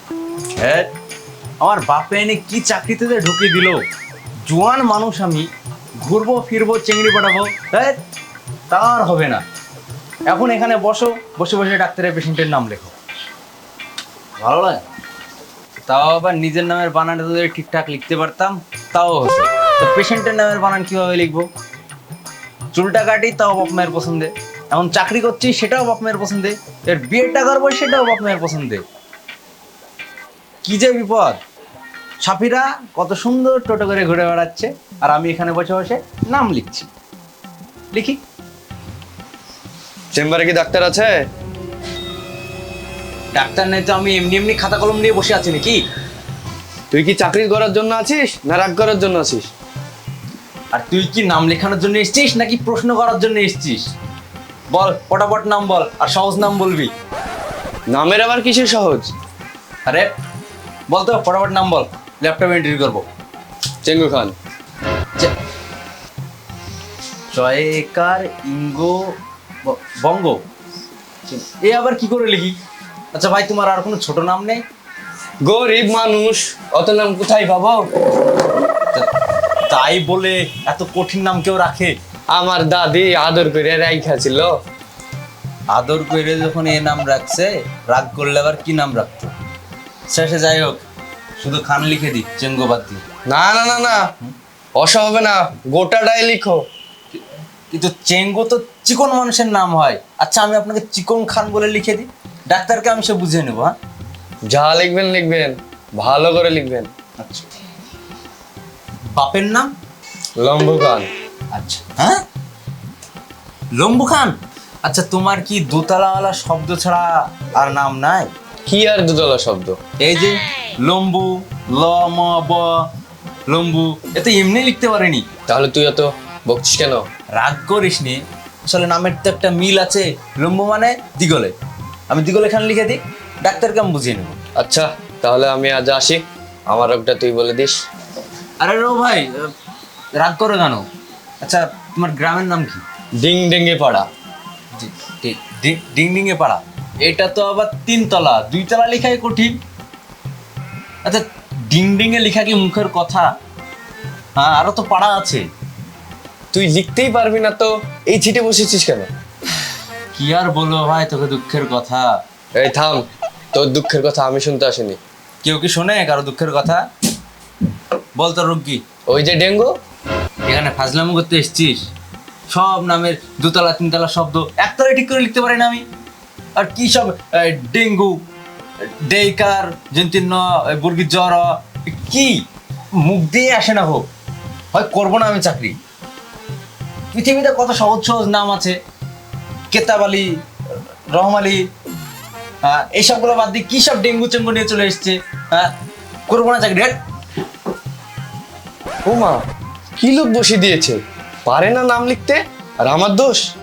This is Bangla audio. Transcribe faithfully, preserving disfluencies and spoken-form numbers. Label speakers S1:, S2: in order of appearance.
S1: হ্যাঁ, আমার বাপে এনে কি চাকরিতে যে ঢুকিয়ে দিল। জোয়ান মানুষ আমি, ঘুরবো ফিরবো চেংড়ি পাঠাবো, হ্যাঁ তার হবে না। এখন এখানে বসো, বসে বসে ডাক্তারের পেশেন্টের নাম লেখো, ভালো লাগে? তাও আবার নিজের নামের বানানটা যদি ঠিকঠাক লিখতে পারতাম তাও হতো। তো পেশেন্টের নামের বানান কিভাবে লিখবো? চুলটা কাটি তাও বাপ মায়ের পছন্দে, এখন চাকরি করছি সেটাও বাপ মায়ের পছন্দে, এর বিয়েটা করবো সেটাও বাপ মায়ের পছন্দে। কি যে বিপদ! সাফিরা কত সুন্দর টোটো করে ঘুরে বেড়াচ্ছে, আর আমি এখানে বসে বসে নাম লিখছি। লিখি।
S2: চেম্বারে কি ডাক্তার আছে?
S1: ডাক্তার নেই তো আমি এমনি এমনি খাতা কলম নিয়ে বসে আছি নাকি?
S2: তুই কি চাকরি করার জন্য আছিস না রাগ করার জন্য আছিস?
S1: আর তুই কি নাম লেখানোর জন্য এসেছিস নাকি প্রশ্ন করার জন্য এসেছিস? বল, ফটাফট নাম বল, আর সহজ নাম বলবি।
S2: নামের আবার কিসের সহজ?
S1: আরে বল তো, ফটাফট নাম বল, ল্যাপটপে এন্ট্রি করবো।
S2: চেঙ্গু খান।
S1: চে- জয়কার ইঙ্গো ব- বঙ্গ। এ আবার কি করে লিখি? আচ্ছা ভাই, তোমার আর কোনো ছোট নাম নেই?
S2: গরিব মানুষ, অত নাম কোথায় পাবো?
S1: তা- তাই বলে এত কঠিন নাম কেউ রাখে?
S2: আমার দাদি আদর করে রাইখা ছিল।
S1: আদর করে যখন এ নাম রাখছে, রাগ করলে আবার কি নাম রাখতো? শেষে যাই হোক, শুধু খান লিখে দি, চেঙ্গো বাদ দি।
S2: না না না না, অসা হবে না, গোটাটাই লিখো।
S1: কিন্তু চেঙ্গো তো চিকন মানুষের নাম হয়। আচ্ছা আমি আপনাকে চিকন খান বলে লিখে দিই, ডাক্তারকে আমি সে বুঝিয়ে নেবো। হ্যাঁ
S2: যা লিখবেন লিখবেন, ভালো করে লিখবেন।
S1: আচ্ছা, বাপের নাম?
S2: লম্বু খান।
S1: আচ্ছা, হ্যাঁ লম্বু খান। আচ্ছা, তোমার কি দোতলাওয়ালা শব্দ ছাড়া আর নাম নাই?
S2: কি আর দুতলা শব্দ?
S1: এই যে লম্বু, ল ম ব, লম্বু, এত এমনি লিখতে পারেনি।
S2: তাহলে তুই এত বকছিস কেন?
S1: রাগ করিস নি, আসলে নামের তো একটা মিল আছে। লম্বু মানে দিগলে, আমি দিগলে খান লিখে দিই, ডাক্তারকে আমি বুঝিয়ে নেবো।
S2: আচ্ছা তাহলে আমি আজ আসি, আমার রোগটা তুই বলে দিস।
S1: আরে রো ভাই, আহ, রাগ করে কেন? আচ্ছা তোমার গ্রামের নাম কি?
S2: ডিং ডেঙ্গে পাড়া।
S1: ডি- ডি- ডি- ডিংডিঙে পাড়া। এটা তো আবার তিনতলা, দুইতলা লেখাই কঠিন। আচ্ছা, ডিংডিঙে লেখা কি মুখের কথা? হ্যাঁ, আরো তো পাড়া আছে।
S2: তুই লিখতেই পারবি না তো এই ছিটে বসেছিস কেন?
S1: কি আর বলবো ভাই তোকে দুঃখের কথা।
S2: এই থাম, তোর দুঃখের কথা আমি শুনতে আসিনি।
S1: কেউ কি শোনে কারো দুঃখের কথা? বল তোর রোগ কি?
S2: ওই যে ডেঙ্গু।
S1: এখানে ফাজলামো করতে এসেছিস? সব নামের দুতলা তিনতলা শব্দ একতলায় ঠিক করে লিখতে পারি না আমি। আর কি সব আহ, ডেঙ্গু, ডেইকার, জন্তীর্ণ, বর্গীর জ্বর, কি মুখ দিয়ে আসে না হোক, হয় করবো না আমি চাকরি। পৃথিবীতে কত সহজ সহজ নাম আছে, কেতাব আলী, রহম আলী, হ্যাঁ এইসবগুলো বাদ দিয়ে কি সব ডেঙ্গু চেঙ্গু নিয়ে চলে এসছে। হ্যাঁ, করবো না চাকরি। হ্যাট।
S2: ও মা, কি লোক বসে দিয়েছে, পারে না নাম লিখতে, আর আমার দোষ?